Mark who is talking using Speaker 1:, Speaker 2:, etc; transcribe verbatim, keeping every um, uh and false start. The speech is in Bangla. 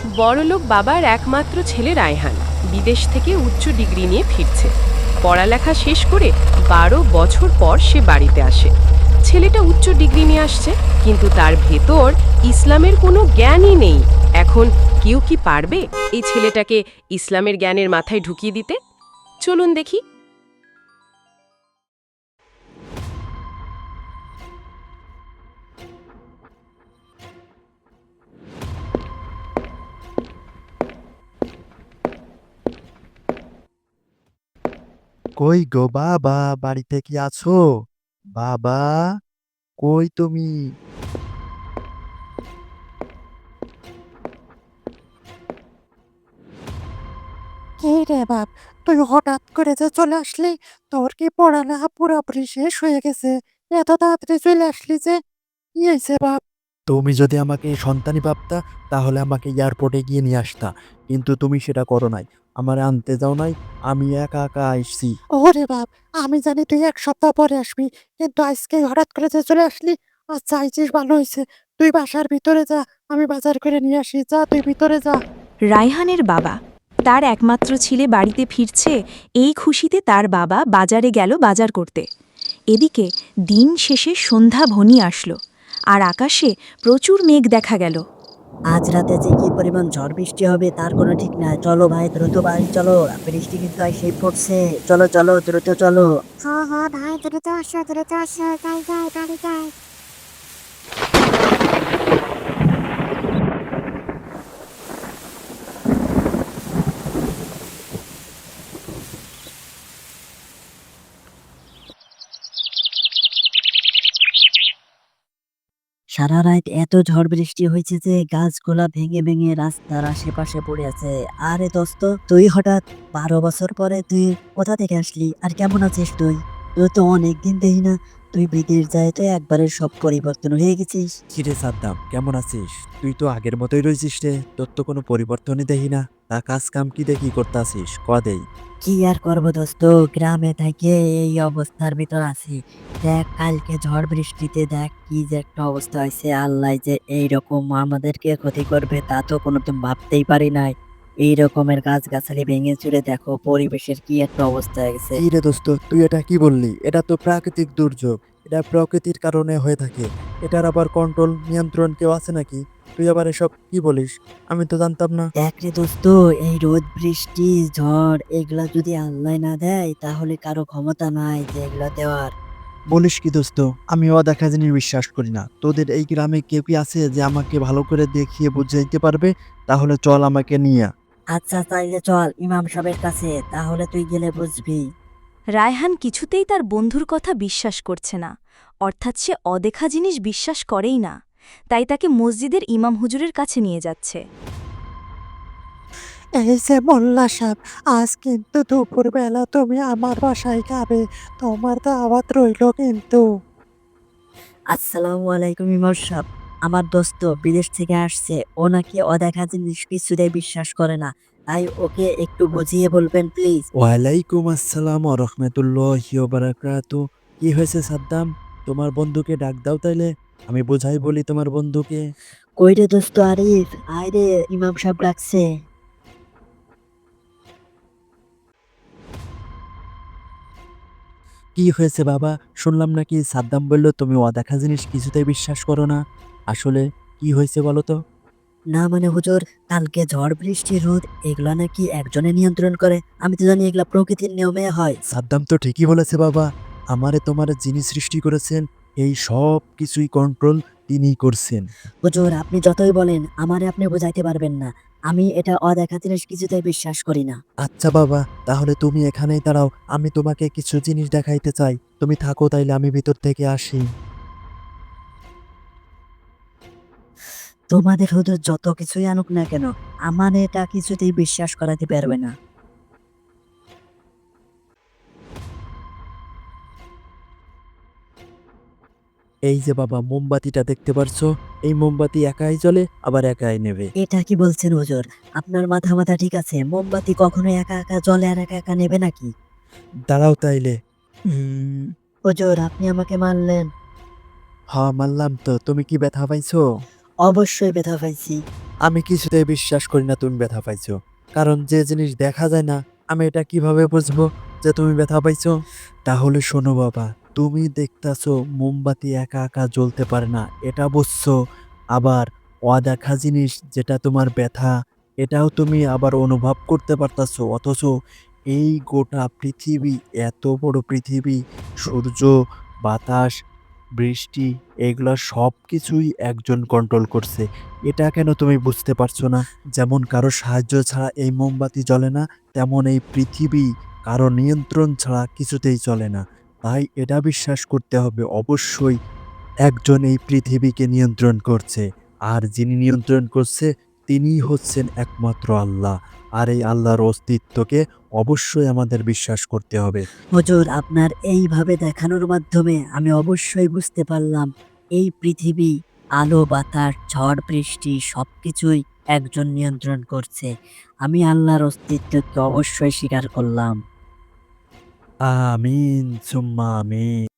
Speaker 1: বড়লোক বাবার একমাত্র ছেলে রায়হান বিদেশ থেকে উচ্চ ডিগ্রি নিয়ে ফিরছে। পড়ালেখা শেষ করে বারো বছর পর সে বাড়িতে আসে। ছেলেটা উচ্চ ডিগ্রি নিয়ে আসছে, কিন্তু তার ভেতর ইসলামের কোনো জ্ঞানই নেই। এখন কেউ কি পারবে এই ছেলেটাকে ইসলামের জ্ঞানের মাথায় ঢুকিয়ে দিতে? চলুন দেখি।
Speaker 2: কই গো বাবা, বাড়িতে কি আছো? বাবা, কই তুমি?
Speaker 3: কি রে বাপ, তুই হঠাৎ করে যে চলে আসলি? তোর কি পড়ালেখা পুরোপুরি শেষ হয়ে গেছে? এত তাড়াতাড়ি চলে আসলি যে, কি হয়েছে বাপ?
Speaker 2: তুমি যদি আমাকে সন্তানই ভাবতা, তাহলে আমাকে এয়ারপোর্টে গিয়ে নিয়ে আসতা। কিন্তু তুমি সেটা করো নাই। আমারে আনতে যাও নাই, আমি একা একা আইসি।
Speaker 3: ওরে বাপ, আমি জানি তুই এক সপ্তাহ পরে আসবি, কিন্তু আজকে হঠাৎ করে যে চলে আসলি। আচ্ছা, আইছিস ভালো হয়েছে। তুই বাসার ভিতরে যা, আমি বাজার করে নিয়ে আসি। যা, তুই ভিতরে যা।
Speaker 4: রায়হানের বাবা তার একমাত্র ছেলে বাড়িতে ফিরছে, এই খুশিতে তার বাবা বাজারে গেল বাজার করতে। এদিকে দিন শেষে সন্ধ্যা ঘনিয়ে আসলো, আর আকাশে প্রচুর মেঘ দেখা গেল।
Speaker 5: আজ রাতে যে কি পরিমাণ ঝড় বৃষ্টি হবে তার কোনো ঠিক নাই। চলো ভাই, দ্রুত বাড়ি চলো, বৃষ্টি কিন্তু এসে পড়ছে। চলো চলো, দ্রুত চলো।
Speaker 3: হ্যাঁ হ্যাঁ ভাই, দ্রুত আসো, দ্রুত আসো, যাই যাই, বাড়ি যাই।
Speaker 5: সারা রাত এত ঝড় বৃষ্টি হয়েছে যে গাছগুলা ভেঙে ভেঙে রাস্তার আশেপাশে পড়ে আছে। আরে দোস্ত, তুই হঠাৎ বারো বছর পরে তুই কোথা থেকে আসলি? আর কেমন আছিস তুই? তুই তো অনেকদিন দেখি না। তুই বিদেশ যায় তো একবারে সব পরিবর্তন হয়ে গেছিস।
Speaker 2: কিরে সাদ্দাম, কেমন আছিস? তুই তো আগের মতোই রয়েছিস রে, তোর তো কোনো পরিবর্তনই দেখি না। তা কাজ কাম কি দেখি করতে আসিস ক দেই।
Speaker 5: কি আর করবো দোস্ত, গ্রামে থেকে এই অবস্থার ভিতর আছি। দেখ, কালকে ঝড় বৃষ্টিতে দেখ কি যে একটা অবস্থা হয়েছে। আল্লাহ যে এইরকম আমাদেরকে ক্ষতি করবে তা তো কোনোদিন ভাবতেই পারি নাই। এই রকমের গাছগাছালি ভেঙে চুরে দেখো পরিবেশের কি একটা অবস্থা হয়ে গেছে।
Speaker 2: কি রে দোস্ত, তুই এটা কি বললি? এটা তো প্রাকৃতিক দুর্যোগ। এটা প্রকৃতির কারণে হয়ে থাকে। এটার আবার কন্ট্রোল নিয়ন্ত্রণ কেউ আছে নাকি? তুই আবার এসব কি বলিস? আমি তো জানতাম না।
Speaker 5: দেখ রে দোস্ত, এই রোদ বৃষ্টি ঝড় এগুলা যদি আল্লাহ না দেয় তাহলে কারো ক্ষমতা নাই যে এগুলা দেওয়ার।
Speaker 2: বলিস কি দোস্ত? আমি অদেখা জিনিস বিশ্বাস করি না। তোদের এই গ্রামে কেউ কি আছে যে আমাকে ভালো করে দেখিয়ে বুঝাইতে পারবে? তাহলে চল আমাকে নিয়ে।
Speaker 5: আচ্ছা, তাইলে চল ইমাম সাহেবের কাছে, তাহলে তুই গেলে বুঝবি।
Speaker 4: রায়হান কিছুতেই তার বন্ধুর কথা বিশ্বাস করছে না, অর্থাৎ সে অদেখা জিনিস বিশ্বাস করেই না। তাই তাকে মসজিদের ইমাম হুজুরের কাছে নিয়ে যাচ্ছে।
Speaker 3: এই যে মোল্লা সাহেব, আজ কিন্তু দুপুরবেলা তুমি আমার বাসায় খাবে। তোমার দাওয়াত রইল কিন্তু।
Speaker 5: আসসালামু আলাইকুম ইমর সাহেব। আমার দোস্ত বিদেশ থেকে আসছে, ও নাকি অদেখা জিনিস কিছুতেই বিশ্বাস করে না। তাই ওকে একটু বুঝিয়ে বলবেন প্লিজ।
Speaker 2: ওয়ালাইকুম আসসালাম ওয়া রাহমাতুল্লাহি ওয়া বারাকাতু। কি হয়েছে সাদ্দাম? তোমার বন্ধুকে ডাক দাও তাইলে, আমি বোঝাই বলি তোমার বন্ধুকে।
Speaker 5: কই রে দোস্ত আরিফ, আয় রে, ইমাম সাহেব ডাকছে।
Speaker 2: কি হয়েছে বাবা? শুনলাম নাকি সাদ্দাম বলল তুমি অদেখা জিনিস কিছুতেই বিশ্বাস করো না। আসলে কি হয়েছে বলো তো?
Speaker 5: না মানে হুজুর, কালকে ঝড় বৃষ্টি রোদ এগুলা নাকি একজনে নিয়ন্ত্রণ করে। আমি তো জানি এগুলা প্রকৃতির নিয়মে হয়।
Speaker 2: সাদ্দাম তো ঠিকই বলেছে বাবা। আমারে তোমারে যিনি সৃষ্টি করেছেন, এই সব কিছুই কন্ট্রোল তিনিই করছেন।
Speaker 5: হুজুর, আপনি যতই বলেন আমারে আপনি বোঝাইতে পারবেন না। আমি এটা অদেখা জিনিস কিছুতেই বিশ্বাস করি না।
Speaker 2: আচ্ছা বাবা, তাহলে তুমি এখানেই দাঁড়াও, আমি তোমাকে কিছু জিনিস দেখাইতে চাই। তুমি থাকো তাইলে, আমি ভিতর থেকে আসি।
Speaker 5: তোমাদের হুজুর যত কিছুই আনুক না কেন, আমার এটা কিছুতেই বিশ্বাস করাতে পারবে না।
Speaker 2: এই যে বাবা, মোমবাতিটা দেখতে পারছো? এই মোমবাতি একাই জ্বলে আবার একাই নেবে।
Speaker 5: এটা কি বলছেন হুজুর? আপনার মাথা মাথা ঠিক আছে? মোমবাতি কখনো একা একা জ্বলে আর একা একা নেবে নাকি?
Speaker 2: দাঁড়াও তাইলে। উম,
Speaker 5: হুজুর, আপনি আমাকে মারলেন।
Speaker 2: হ্যাঁ মানলাম তো। তুমি কি ব্যথা পাইছো?
Speaker 5: অবশ্যই ব্যথা পাইছি।
Speaker 2: আমি কিছুতেই বিশ্বাস করি না তুমি ব্যথা পাইছো, কারণ যে জিনিস দেখা যায় না আমি এটা কিভাবে বুঝবো যে তুমি ব্যথা পাইছো? তাহলে শোনো বাবা, তুমি দেখতাছো মোমবাতি একা একা জ্বলতে পারে না, এটা বুঝছো? আবার অদেখা জিনিস যেটা তোমার ব্যথা, এটাও তুমি আবার অনুভব করতে পারতাছো, অথচ এই গোটা পৃথিবী, এত বড় পৃথিবী, সূর্য, বাতাস, বৃষ্টি, এগুলা সব কিছুই একজন কন্ট্রোল করছে। এটা কেন তুমি বুঝতে পারছো না? যেমন কারো সাহায্য ছাড়া এই মোমবাতি জ্বলে না, তেমন এই পৃথিবী কারো নিয়ন্ত্রণ ছাড়া কিছুতেই চলে না। তাই এটা বিশ্বাস করতে হবে অবশ্যই একজন এই পৃথিবীকে নিয়ন্ত্রণ করছে। আর যিনি নিয়ন্ত্রণ করছে তিনিই হচ্ছেন একমাত্র আল্লাহ। আর এই আল্লাহর অস্তিত্বকে অবশ্যই আমাদের বিশ্বাস করতে হবে।
Speaker 5: হুজুর, আপনার এইভাবে দেখানোর মাধ্যমে আমি অবশ্যই বুঝতে পারলাম এই পৃথিবী, আলো বাতাস ঝড় বৃষ্টি সবকিছুই একজন নিয়ন্ত্রণ করছে। আমি আল্লাহর অস্তিত্বকে অবশ্যই স্বীকার করলাম।
Speaker 2: আমিন সুম্মা আমিন।